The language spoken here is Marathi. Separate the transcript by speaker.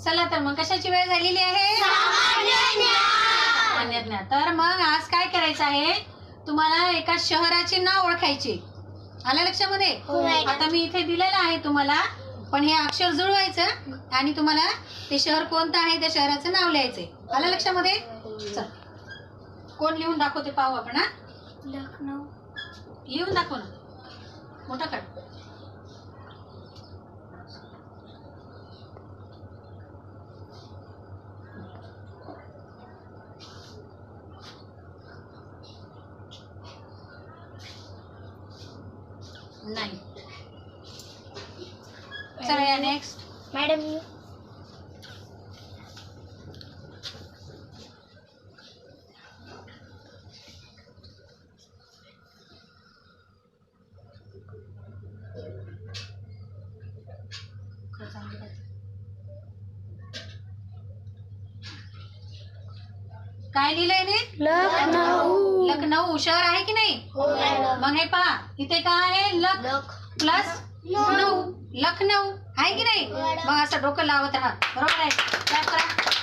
Speaker 1: चला तर मग कशाची वेळ झालेली आहे? सामान्य ज्ञान. तर मग आज काय करायचं आहे, तुम्हाला एका शहराचे नाव ओळखायचे. आलं लक्षामध्ये? आता मी इथे दिलेलं आहे तुम्हाला, पण हे अक्षर जुळवायचं आणि तुम्हाला ते शहर कोणतं आहे त्या शहराचं नाव लिहायचंय. आलं लक्षामध्ये? चल, कोण लिहून दाखवते पाहू आपण. हा,
Speaker 2: लखनऊ.
Speaker 1: लिहून दाखव ना, मोठा कर. नाही. चला या नेक्स्ट.
Speaker 2: मॅडम
Speaker 1: काय लिहिलंय ने?
Speaker 2: लखनऊ.
Speaker 1: लखनऊ शहर आहे की नाही? मग हे पहा, इथे काय आहे? लख प्लस नऊ, लखनऊ आहे की नाही? मग असं डोकं लावत राहा. बरोबर आहे? काय करा?